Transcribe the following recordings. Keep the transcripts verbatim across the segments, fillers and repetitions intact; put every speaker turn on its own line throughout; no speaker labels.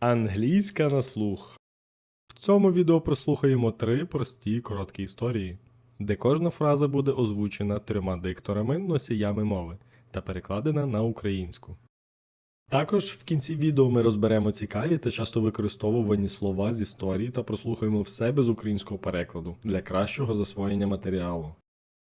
Англійська на слух. В цьому відео прослухаємо три прості короткі історії, де кожна фраза буде озвучена трьома дикторами носіями мови та перекладена на українську. Також в кінці відео ми розберемо цікаві та часто використовувані слова з історії та прослухаємо все без українського перекладу для кращого засвоєння матеріалу.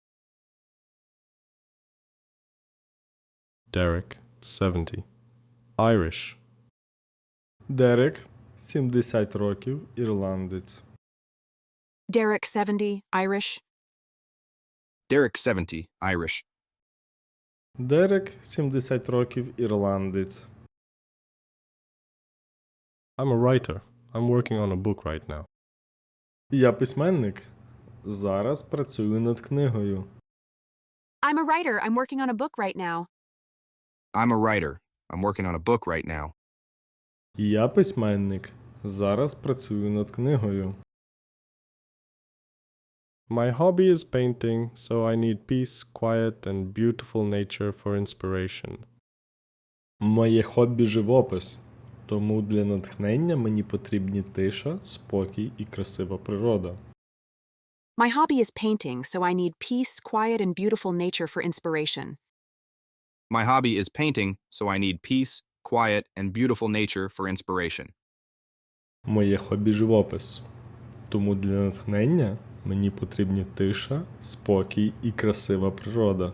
Derek, seventy. Irish.
Дерек, сімдесят років, ірландець.
Derek, seventy, Irish.
Derek, seventy, Irish.
Дерек, сімдесят років, ірландець.
I'm a writer. I'm working on a book right now.
Я письменник. Зараз працюю над книгою.
I'm a writer. I'm working on a book right now.
I'm a writer. I'm working on a book right now.
Я письменник. Зараз працюю над книгою.
My hobby is painting, so I need peace, quiet, and beautiful nature for inspiration.
Моє хобі – живопис. Тому для натхнення мені потрібні тиша, спокій і красива природа.
My hobby is painting, so I need peace, quiet, and beautiful nature for inspiration.
My hobby is painting, so I need peace, quiet, and beautiful nature for inspiration.
Моє хобі – живопис. Тому для натхнення мені потрібні тиша, спокій і красива природа.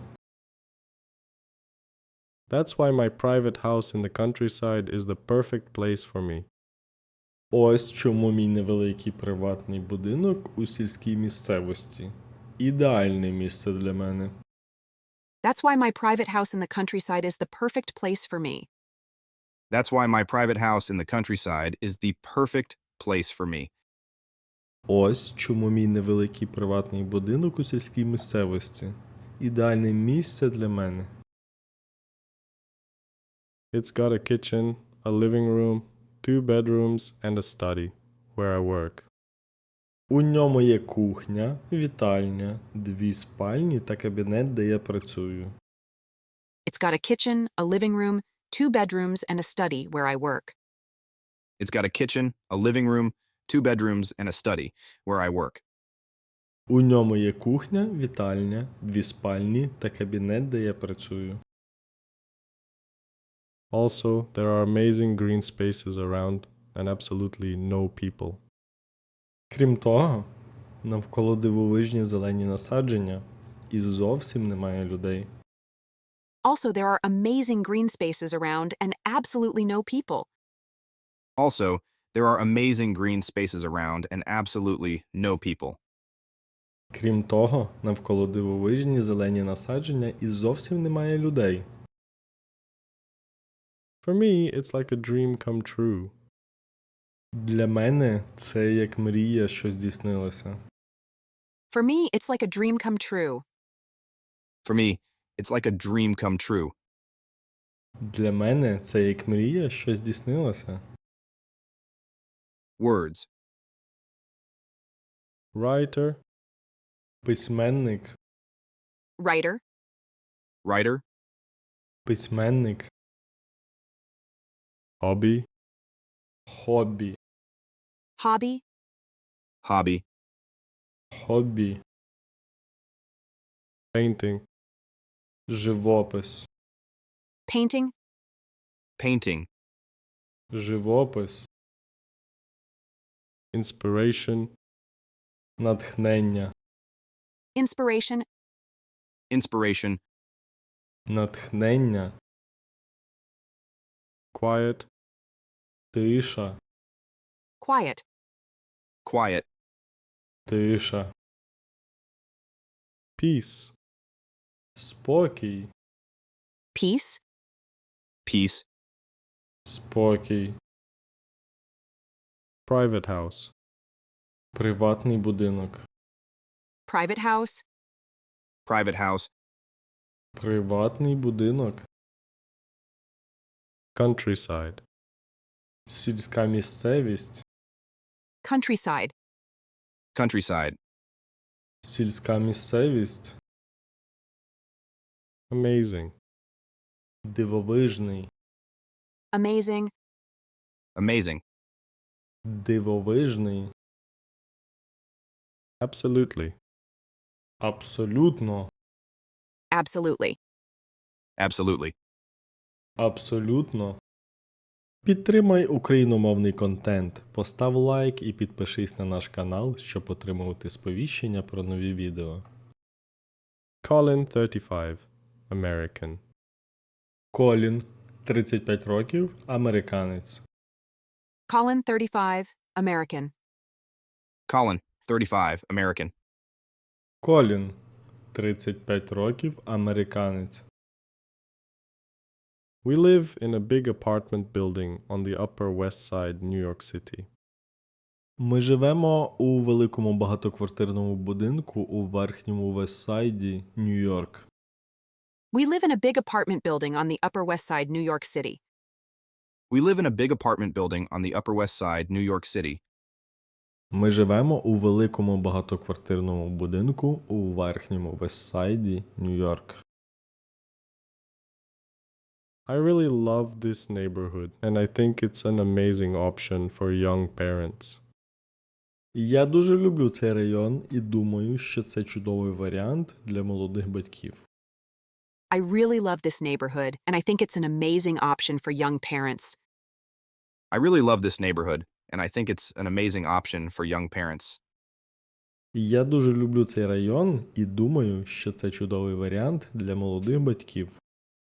That's why my private house in the countryside is the perfect place for me.
Ось чому мій невеликий приватний будинок у сільській місцевості – ідеальне місце для мене.
That's why my private house in the countryside is the perfect place for me.
That's why my private house in the countryside is the perfect place for me.
Ось чому мій невеликий приватний будинок у сільській місцевості – ідеальне місце для мене.
It's got a kitchen, a living room, two bedrooms, and a study, where I work.
У ньому є кухня, вітальня, дві спальні та кабінет, де я працюю.
It's got a kitchen, a living room, two bedrooms, and a study where I work.
It's got a kitchen, a living room, two bedrooms, and a study where I work.
У ньому є кухня, вітальня, дві спальні та кабінет, де я працюю.
Also, there are amazing green spaces around and absolutely no people.
Крім того, навколо дивовижні зелені насадження і зовсім немає людей.
Also, there are amazing green spaces around and absolutely no people.
Also, there are amazing green spaces around and absolutely no people.
Крім того, навколо дивовижні зелені насадження і зовсім немає людей.
For me, it's like a dream come true.
Для мене це як мрія, що здійснилася.
For me, it's like a dream come true.
For me, it's like a dream come true.
Для мене це як мрія, що здійснилася.
Words.
Writer,
Письменник,
Writer,
Writer.
письменник,
hobby,
хобі,
hobby,
Hobby.
хобі,
painting,
живопис,
painting,
Painting.
живопис,
inspiration,
натхнення,
inspiration,
Inspiration.
натхнення,
quiet,
тиша,
quiet,
Quiet.
тиша,
peace,
спокій,
peace,
Peace.
спокій,
private house,
приватний будинок,
private house,
Private house.
приватний будинок,
countryside,
сільська місцевість,
countryside,
Countryside.
сільська місцевість,
amazing,
дивовижний,
amazing,
Amazing.
Дивовижний.
Absolutely.
Абсолютно.
Absolutely.
Absolutely.
Абсолютно. Підтримай україномовний контент, постав лайк і підпишись на наш канал, щоб отримувати сповіщення про нові відео.
Colin, thirty-five. American.
Колін, тридцять п'ять років, американець.
Colin, thirty-five, American.
Colin, thirty-five, American.
Колін, тридцять п'ять років, американець.
We live in a big apartment building on the Upper West Side, New York City.
Ми живемо у великому багатоквартирному будинку у верхньому Вестсайді, Нью-Йорк.
We live in a big apartment building on the Upper West Side, New York City.
We live in a big apartment building on the Upper West Side, New York City.
Ми живемо у великому багатоквартирному будинку у верхньому Вестсайді, Нью-Йорк.
I really love this neighborhood, and I think it's an amazing option for young parents.
Я дуже люблю цей район і думаю, що це чудовий варіант для молодих батьків.
I really love this neighborhood, and I think it's an amazing option for young parents.
I really love this neighborhood, and I think it's an amazing option for young parents.
Я дуже люблю цей район і думаю, що це чудовий варіант для молодих батьків.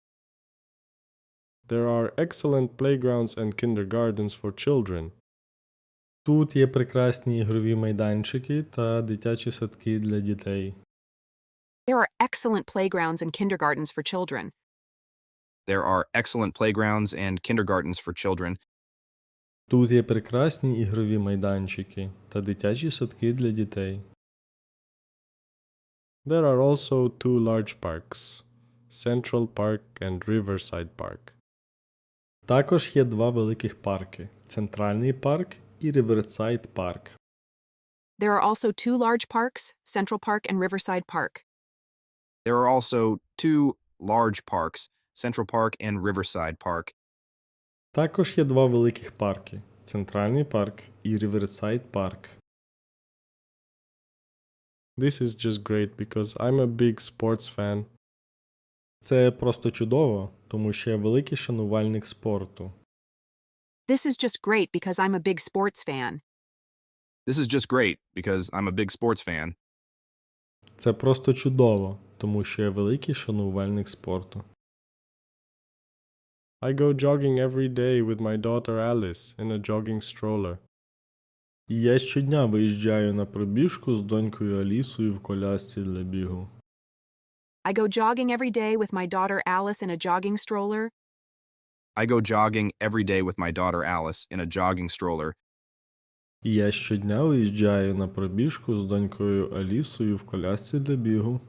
There are excellent playgrounds and kindergartens for children.
Тут є прекрасні ігрові майданчики та дитячі садки для дітей.
There are excellent playgrounds and kindergartens for children.
There are excellent playgrounds and kindergartens for children.
Тут є прекрасні ігрові майданчики та дитячі садки для дітей.
There are also two large parks, Central Park and Riverside Park.
Також є два великих парки – Центральний парк і Riverside парк.
There are also two large parks, Central Park and Riverside Park.
There are also two large parks, Central Park and Riverside Park.
Також є два великих парки – Центральний парк і Riverside парк.
This is just great because I'm a big sports fan.
Це просто чудово, тому що я великий шанувальник спорту.
This is just great because I'm a big sports fan.
This is just great because I'm a big sports fan.
Це просто чудово, тому що я великий шанувальник спорту.
I go jogging every day with my daughter Alice in a jogging stroller.
І я щодня виїжджаю на пробіжку з донькою Алісою в колясці для бігу.
I go jogging every day with my daughter Alice in a jogging stroller.
I go jogging every day with my daughter Alice in a jogging stroller.
І я щодня виїжджаю на пробіжку з донькою Алісою в колясці для бігу.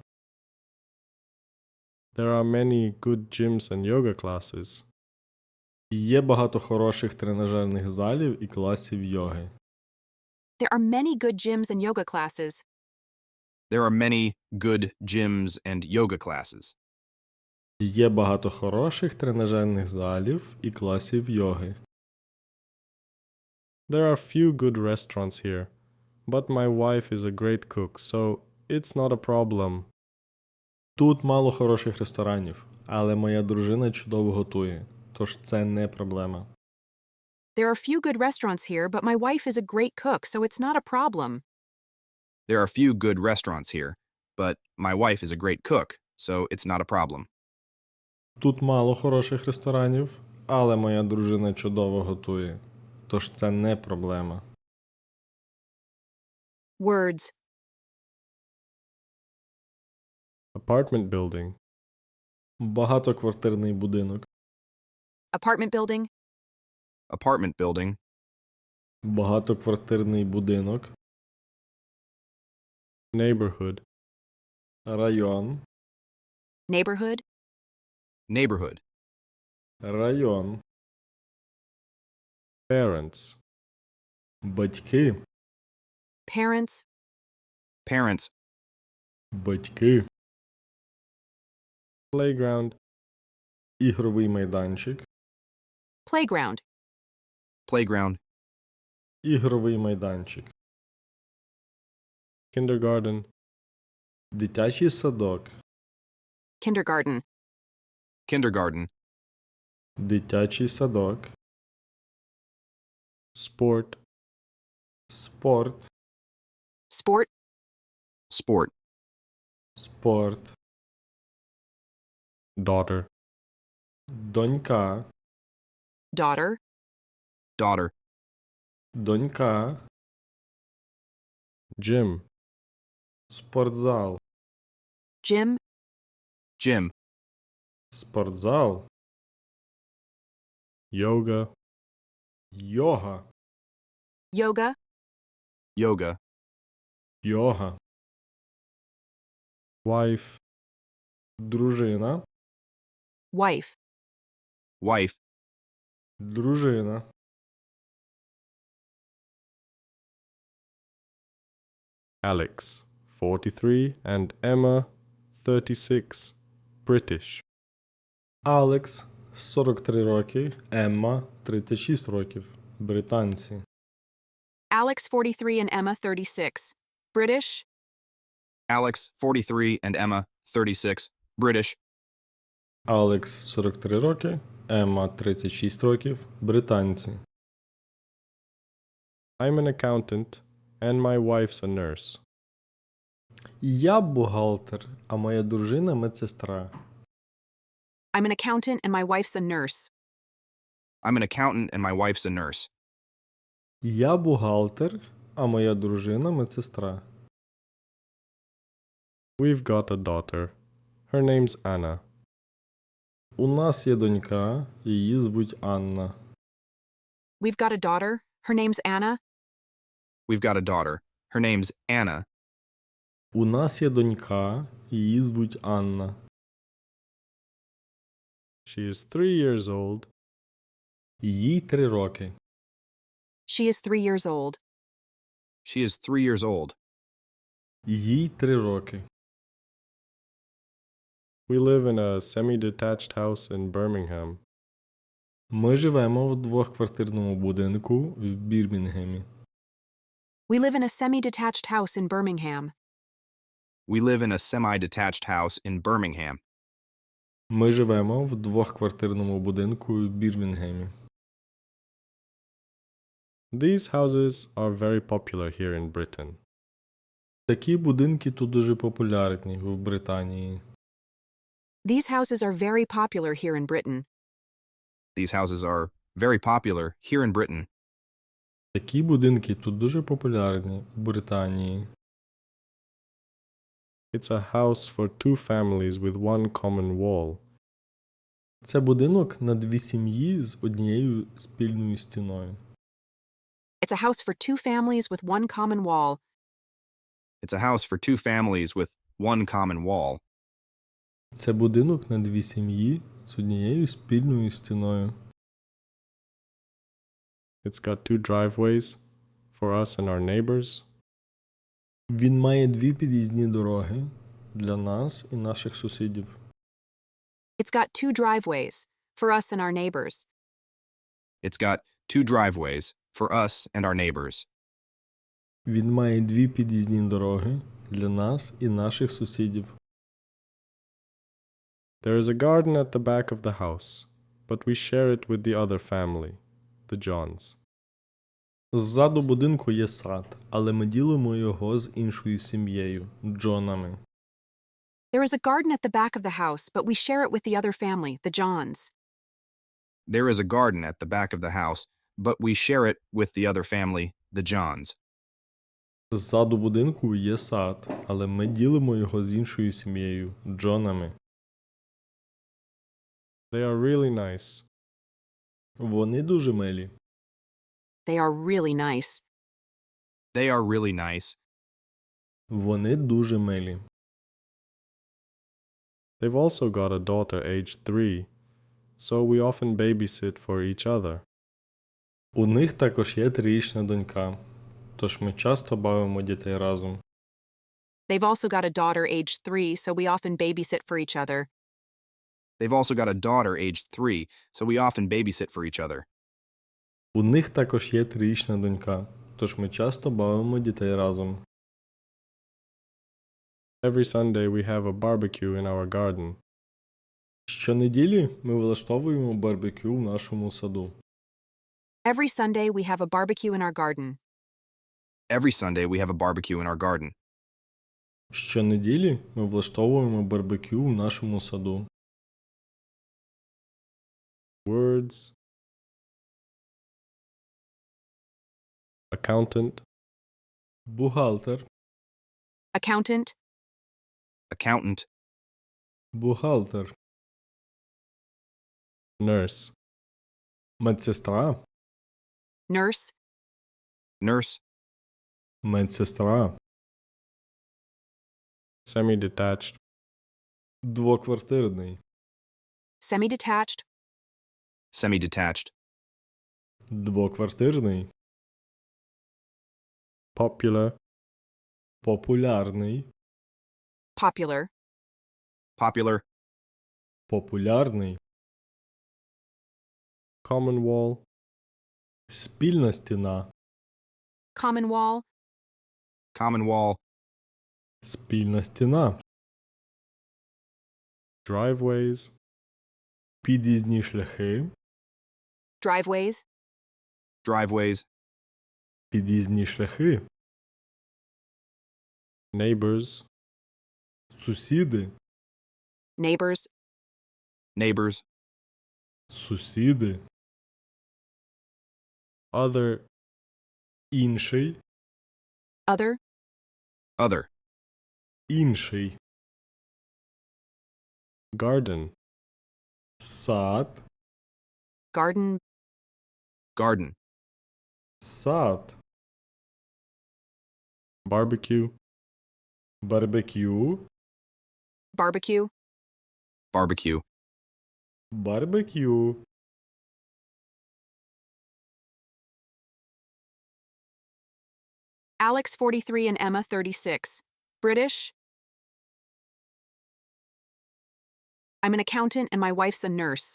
There are many good gyms and yoga classes.
І є багато хороших тренажерних залів і класів йоги.
There are many good gyms and yoga classes.
There are many good gyms and yoga classes.
І є багато хороших тренажерних залів і класів йоги.
There are few good restaurants here, but my wife is a great cook, so it's not a problem.
Тут мало хороших ресторанів, але моя дружина чудово готує, тож це не проблема.
There are few good restaurants here, but my wife is a great cook, so it's not a problem.
There are few good restaurants here, but my wife is a great cook, so it's not a problem.
Тут мало хороших ресторанів, але моя дружина чудово готує, тож це не проблема.
Words.
Apartment building.
Багатоквартирний будинок.
Apartment building.
Apartment building.
Багатоквартирний будинок.
Neighborhood.
Район.
Neighborhood.
Neighborhood.
Район.
Parents.
Батьки.
Parents.
Parents.
Батьки.
Playground.
Ігровий майданчик.
Playground.
Playground.
Ігровий майданчик.
kindergarten,
Дитячий садок.
kindergarten,
kindergarten,
Дитячий садок.
sport,
Спорт.
sport,
sport,
Спорт.
daughter,
Донька.
daughter,
daughter,
Донька.
gym,
Спортзал.
gym,
gym,
Спортзал.
yoga,
Йога.
yoga,
yoga,
Йога.
wife,
Дружина.
wife,
wife,
Дружина.
Alex, forty-three, and Emma, thirty-six, British.
Алекс сорок три роки. Емма тридцять шість років. Британці.
Alex forty-three and Emma thirty-six, British,
Alex, forty-three, and Emma, thirty-six, British.
Алекс сорок три роки. Емма тридцять шість років. Британці.
I'm an accountant, and my wife's a nurse.
Я бухгалтер, а моя дружина медсестра.
I'm an accountant and my wife's a nurse.
I'm an accountant and my wife's a nurse.
Я бухгалтер, а моя дружина медсестра.
We've got a daughter. Her name's Anna.
У нас є донька, її звуть Анна.
We've got a daughter. Her name's Anna.
We've got a daughter. Her name's Anna.
У нас є донька, її звуть Анна.
She is three years old.
Їй три роки.
She is three years old.
She is three years old.
Їй три роки.
We live in a semi-detached house in Birmingham.
Ми живемо в двохквартирному будинку в Бірмінгемі.
We live in a semi-detached house in Birmingham.
We live in a semi-detached house in Birmingham.
Ми живемо в двохквартирному будинку в Бірмінгемі.
These houses are very popular here in Britain.
Такі будинки тут дуже популярні в Британії.
These houses are very popular here in Britain.
These houses are very popular here in Britain.
Такі будинки тут дуже популярні в Британії.
It's a house for two families with one common wall.
Це будинок на дві сім'ї з однією спільною стіною.
It's a house for two families with one common wall.
It's a house for two families with one common wall.
Це будинок на дві сім'ї з однією спільною стіною.
It's got two driveways for us and our neighbors.
Він має дві під'їзні дороги для нас і наших сусідів.
It's got two driveways for us and our neighbors.
It's got two driveways for us and our neighbors.
Він має дві під'їзні дороги для нас і наших сусідів.
There is a garden at the back of the house, but we share it with the other family, the Johns.
Ззаду будинку є сад, але ми ділимо його з іншою сім'єю – Джонами.
There is a garden at the back of the house, but we share it with the other family, the Johns.
There is a garden at the back of the house, but we share it with the other family, the Johns.
Ззаду будинку є сад, але ми ділимо його з іншою сім'єю – Джонами.
They are really nice.
Вони дуже милі.
They are really nice.
They are really nice.
Вони дуже милі.
They've also got a daughter aged three, so we often babysit for each other.
У них також є трирічна донька, тож ми часто бавимо дітей разом.
They've also got a daughter aged three, so we often babysit for each other.
They've also got a daughter aged three, so we often babysit for each other.
У них також є трирічна донька, тож ми часто бавимо дітей разом.
Every Sunday we have a barbecue in our garden.
Щонеділі ми влаштовуємо барбекю в нашому саду.
Every Sunday, we have a barbecue in our garden.
Every Sunday, we have a barbecue in our garden.
Щонеділі ми влаштовуємо барбекю в нашому саду.
Words. Accountant.
Бухгалтер,
Accountant,
Accountant,
бухгалтер,
Nurse.
медсестра,
nurse,
nurse,
медсестра,
Semi-detached.
двоквартирний,
semi-detached,
semi-detached,
двоквартирний,
Popular.
популярний,
popular,
popular,
популярний,
Common wall.
спільна стіна,
common wall,
common wall,
спільна стіна,
Driveways.
під'їзні шляхи,
driveways,
driveways,
під'їзні шляхи,
Neighbors.
сусіди,
neighbors,
neighbors,
сусіди,
Other.
інший,
other,
other,
інший,
Garden.
сад,
garden,
garden,
сад,
Barbecue.
барбекю,
barbecue,
barbecue,
барбекю,
Alex forty-three and Emma thirty-six. British. I'm an accountant and my wife's a nurse.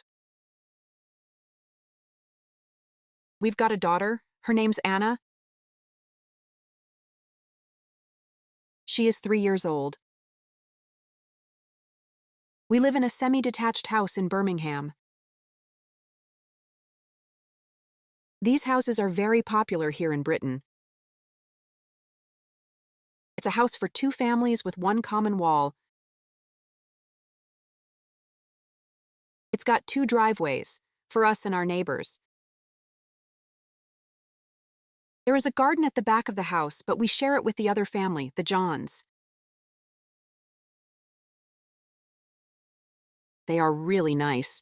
We've got a daughter. Her name's Anna. She is three years old. We live in a semi-detached house in Birmingham. These houses are very popular here in Britain. It's a house for two families with one common wall. It's got two driveways, for us and our neighbors. There is a garden at the back of the house, but we share it with the other family, the Johns. They are really nice.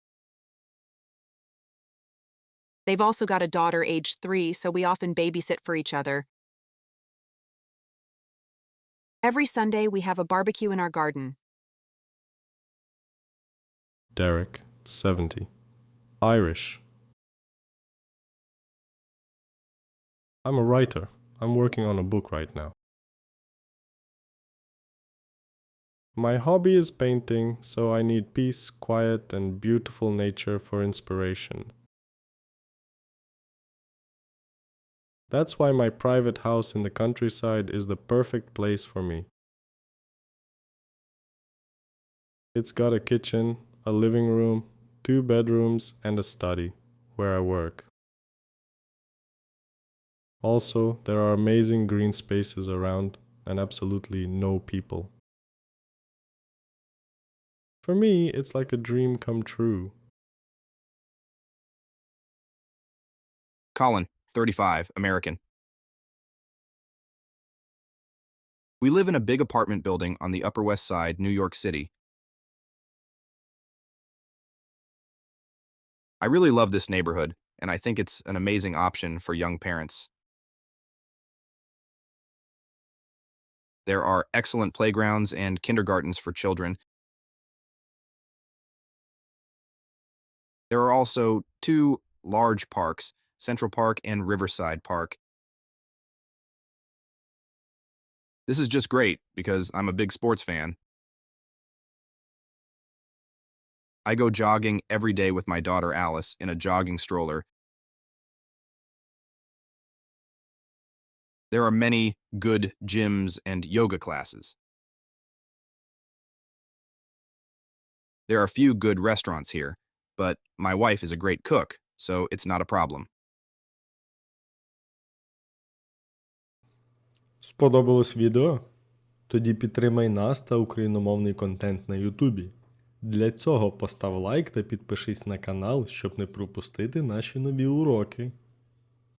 They've also got a daughter aged three, so we often babysit for each other. Every Sunday, we have a barbecue in our garden.
Derek. seventy. Irish. I'm a writer. I'm working on a book right now. My hobby is painting, so I need peace, quiet, and beautiful nature for inspiration. That's why my private house in the countryside is the perfect place for me. It's got a kitchen, a living room, two bedrooms, and a study, where I work. Also, there are amazing green spaces around and absolutely no people. For me, it's like a dream come true.
Colin, thirty-five, American. We live in a big apartment building on the Upper West Side, New York City. I really love this neighborhood, and I think it's an amazing option for young parents. There are excellent playgrounds and kindergartens for children. There are also two large parks, Central Park and Riverside Park. This is just great because I'm a big sports fan. I go jogging every day with my daughter Alice in a jogging stroller. There are many good gyms and yoga classes. There are few good restaurants here, but my wife is a great cook, so it's not a problem.
Сподобалось відео? Тоді підтримай нас та україномовний контент на Ютубі. Для цього постав лайк та підпишись на канал, щоб не пропустити наші нові уроки.